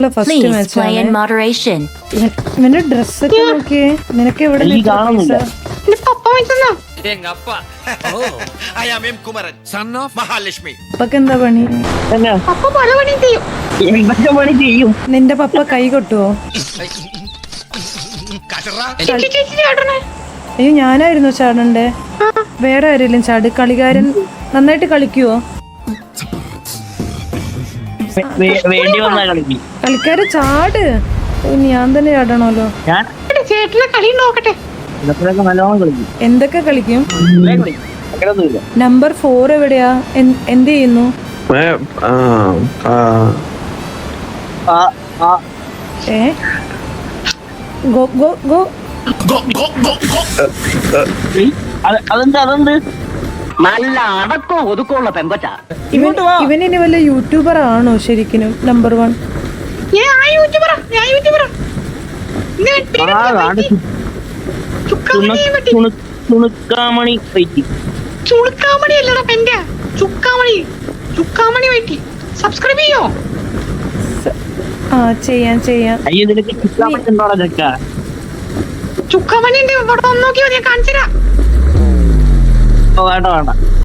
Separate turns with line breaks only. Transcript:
First
Please
match
play in moderation.
ഇവന്റെ ഡ്രസ്സൊക്കെ നോക്കിയേ. നിനക്ക് എവിടെ
എനിക്ക് കാണുന്നില്ല.
I am M. Kumaran, son of Mahalakshmi.
പപ്പക്ക് എന്താ പണി?
തന്നെ എന്തൊക്കെ പണി ചെയ്യും?
നിന്റെ പപ്പ കൈ കൊട്ടുവോ?
Kashara.
അയ്യോ ഞാനായിരുന്നു ചാടണ്ടേ. വേറെ ആരെങ്കിലും ചാട്. കളിക്കാരൻ നന്നായിട്ട് കളിക്കുവോ?
വേണ്ടി വന്നാ കളിക്കും.
കളിക്കാര് ചാട്. ഞാൻ തന്നെ ചാടണല്ലോ.
ഞാൻ
ചേട്ടനെ കളി നോക്കട്ടെ.
ഇതൊക്കെ നല്ലോണം കളിക്കും.
എന്തൊക്കെ കളിക്കും?
അങ്ങനൊന്നുമില്ല.
നമ്പർ 4 എവിടെയാ? എന്ത് ചെയ്യുന്നു? ഏ ഗോ ഗോ ഗോ.
അതെന്ത് നല്ല അടക്കോ ഒതുക്കമുള്ള പെമ്പറ്റ.
ഇവൻ ഇനി വല്ല യൂട്യൂബർ ആണോ ശരിക്കും? നമ്പർ 1
ചുണുക്കാമണി പറ്റി.
ചുളുക്കാമണി അല്ലടാ പെന്റെ ചുക്കാമണി വെട്ടി സബ്സ്ക്രൈബ് ചെയ്യോ?
ആ ചെയ്യാം.
അയ്യോ നിനക്ക് ചുക്കാമണി ഉണ്ടോടാ ചക്ക?
ചുക്കാമണിന്റെ ഇവിടെ നോക്കിയോ ഞാൻ കാണിച്ചുതരാം.
വേണ്ട